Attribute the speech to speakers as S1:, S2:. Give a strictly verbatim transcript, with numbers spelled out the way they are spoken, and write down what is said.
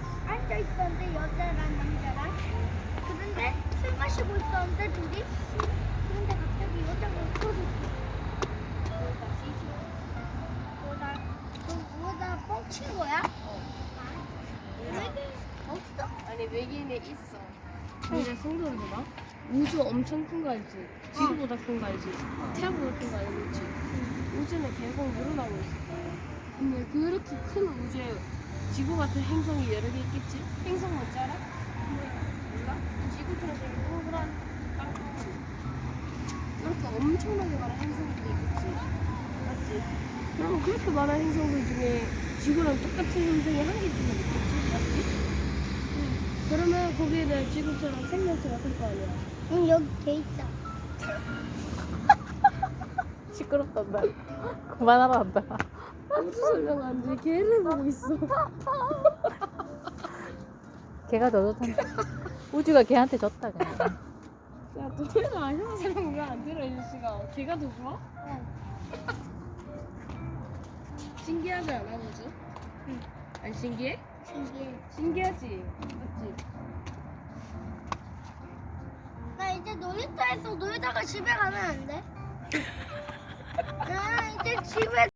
S1: 앉아 있었는데 여자랑 남자랑. 그런데 술 마시고 있었는데 둘이. 그런데 갑자기 여자가 웃어줬어. 그러다 시시. 그러다 그러다 뻥친 거야? 왜 없어?
S2: 아니 외계인에 있어. 근데 성도를 봐봐. 우주 엄청 큰 거 알지? 지구보다 큰 거 알지? 태양보다 큰 거 알지? 우주는 계속 늘어나고 있어. 근데 그렇게 큰 우주에 지구 같은 행성이 여러 개 있겠지? 행성 뭔지 알아? 몰라? 지구처럼 되게 동그란 땅덩어리. 이렇게 엄청나게 많은 행성들이 있겠지? 맞지? 그럼 그렇게 많은 행성들 중에 지구랑 똑같은 행성이 한 개쯤은 있겠지? 맞지? 그러면 거기에는 지구처럼 생명체가 살 거 아니야?
S1: 응, 여기 개 있다.
S3: 시끄럽단다. 그만하란다.
S2: 우주 설명 안 돼. 걔를 보고 있어.
S3: 걔가 더 좋단다. 우주가 걔한테 졌다 그냥.
S2: 야, 너네가 아시는 설명 왜안 들어, 이씨가? 걔가 더 좋아?
S1: 응.
S2: 신기하지 않아, 우주?
S1: 응.
S2: 안 신기해?
S1: 신기해.
S2: 신기하지? 맞지?
S1: 나 이제 놀이터에서 놀다가 집에 가면 안 돼? 나 이제 집에